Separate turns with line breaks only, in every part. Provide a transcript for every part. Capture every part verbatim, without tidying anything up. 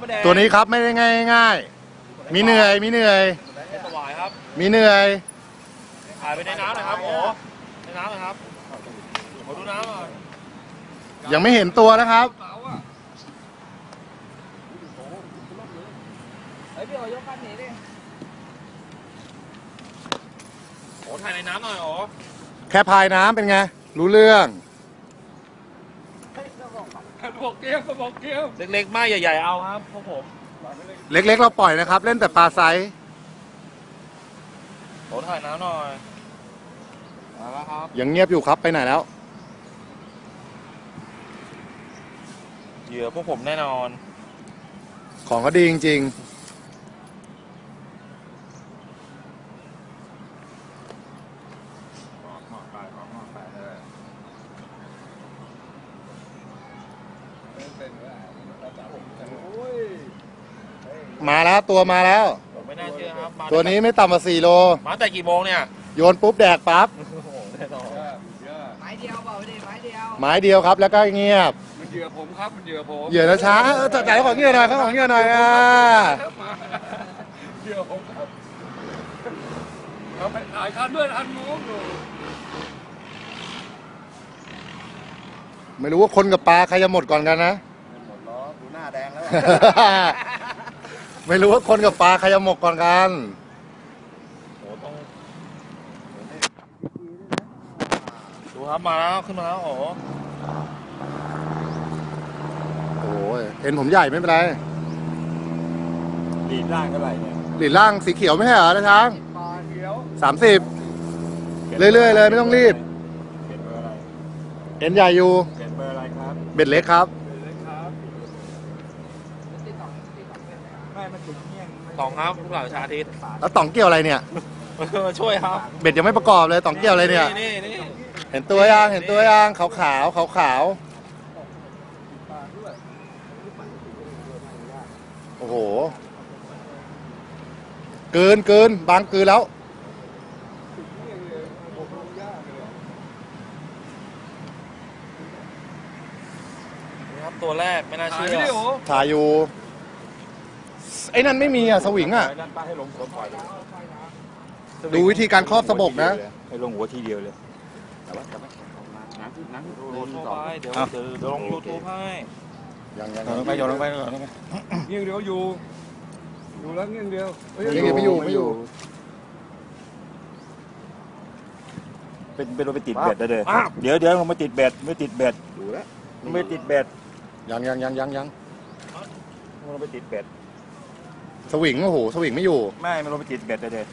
ไม่แดง
ตัวนี้ครับไม่ได้ง่ายง่ายมีเหนื่อยมีเหนื่อย
ไม่สวายครับ
มีเหนื่อย
ถ่ายไปในน้ำหน่อยครับโอ้ในน้ำหน่อยครับขอดูน้ำหน่อย
ยังไม่เห็นตัวนะครับ
เฮ้ยพี่โอยกคันนี้ดิ
โอ้ถ่ายในน้ำหน่อยโอ้
แค่พายน้ำเป็นไงรู้เรื่อง
บอกเกี้ยวบอกเกี้ยว
เล็กๆมากใหญ่ๆเอาครับพวกผม
เล็กๆเราปล่อยนะครับ เล่นแต่ปลาไซส์
โอ้ถ่ายน้ำหน่อยมาแล้วครับ
ยังเงียบอยู่ครับไปไหนแล้ว
เหยื่อพวกผมแน่นอน
ของก็ดีจริงๆมาแล้วตัวมาแล้ว
ผมไม่น่าเชื่อครับมา
ตัวนี้ไม่ต่ำกว่าสี่โล
มาแต่กี่โมงเนี่ย
โยนปุ๊บแดกปั๊บ
โอ้โหแน่นอน
ไม้เดียวเปล่าดิไม้เดียว
ไม้เดียวครับแล้วก็เงียบ
มันเหยื่อผมครับมันเหยื่อผม
เหยื่อนะช้าเออจ่ายของเหยื่อหน่อยเขาของเหยื่อหน่อยอ่ะ
เหยื่อผมครับเราไปถ่ายคันด้วยอันนู้นอยู่
ไม่รู้ว่าคนกับปลาใครจะหมดก่อนกันนะ
หมดล้อดูหน้าแดงแล้ว
ไม่รู้ว่าคนกับปลาใครจะหมดก่อนกัน
โอ้ต้องดูครับมาแล้วขึ้นมาแล้วโอ้
โอ้ยเห็นผมใหญ่ไม่เป็นไร
ดีดร่างเท่าไหร่เนี่ย
หลีดล่างสีเขียวไม่ใช่เหรอนะช้าง
ปลาเขียว
สามสิบเรื่อยๆเลยไม่ต้องรีบ
เก็บเบอร์อะไร
เห็นใหญ่อยู่
เก็บเบอร์อะไรครับ
เบ็ดเล็กครับ
เลยครับ
ไม่มันจุดเงี้ยงสองครับลูกหลานชาทิต
แล้วต่องเกี่ยวอะไรเนี่ย
มาช่วยครับ
เบ็ดยังไม่ประกอบเลยต่องเกี่ยวอะไรเนี่ย
นี่นี่
เห็นตัวยังเห็นตัวยังขาวขาวขาวขาวๆโอ้โหเกินเกินบางเกินแล้ว
นี่ครับตัวแรกไม่น่า
ถ่าย
เชื่อ
วิดีโอ
ถ่ายอยู่ไอ้นั่นไม่มีอ่ะสวิงอ่ะ
ด้านป้าให้ลงหัวปล่อยเลย
ดูวิธีการครอบสะบกนะ
ให้ลงหัวทีเดียวเลยแต่ว่าแต่ว่าน้ำน้ำ
โหลดเข้าไปเดี๋ยวเดี๋ยวเดี๋ยวลงยูทูบให้
ยังยัง
โยนลงไปโยนลงไปโยนลงไป
เงี้ยงเดียวอยู่อยู่แล้วเงี้ยงเดียวเฮ้ย
ยังไม่อยู่ไม่อยู่
เป็นเป็นลงไปติดเบ็ดได้เลยเดี๋ยวเดี๋ยวลงมาติดเบ็ดไม่ติดเบ็ด
ดูแล้ว
ไม่ติดเบ็ด
ยังยังยังยังยัง
ลงไปติดเบ็ด
สวิงโอ้โหสวิงไม่อยู่
ไม่ไม่ลงไปติดเบ็ดได้เลย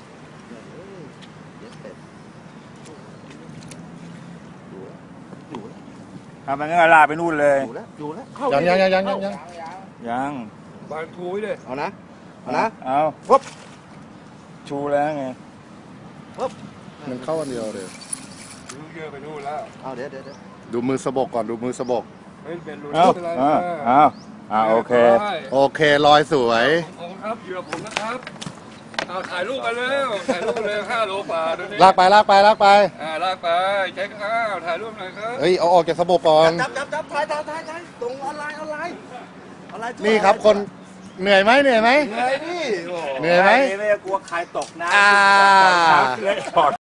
ทำมันงั้นลาไปนู่นเลย
ยังยังยังยังยังยัง
ยัง
บานทูยเลย
เอานะเอานะ
เอาปุ๊บชูแล้วไง
มันเข้าอันเดียวเลย
ดูเยอะไปนู่นแล้ว
เอาเดี๋ยวเดี๋ยวดูมือสะบกก่อนดูมือสะบก
เฮ้ยเป็นรู
เอา
เป็นไร
เอาเอาเอาโอเค
โอเคลอยสวย
ผมครับเหยื่อผมนะครับเอาถ่ายรูปกันเร็วถ่ายรูปกันเลยห้าโลกว่าดูนี่
ลากไปลากไปลากไป
อ่าลากไปเช็คอ้าวถ่ายรูปหน่อยครับ
เฮ้ยเอาออกจากสะบกก่อน
จับจับจับถ่ายถ่ายถ่ายถ่ายตรงออนไลน์ออนไลน์ออนไลน์
นี่ครับคนเหนื่อยไหมเหนื่อยไหม
เหนื่อยดิโอ้
เหนื่อยไหม
ไม่กลัวใครตกนะ
อ่า
เลยถอด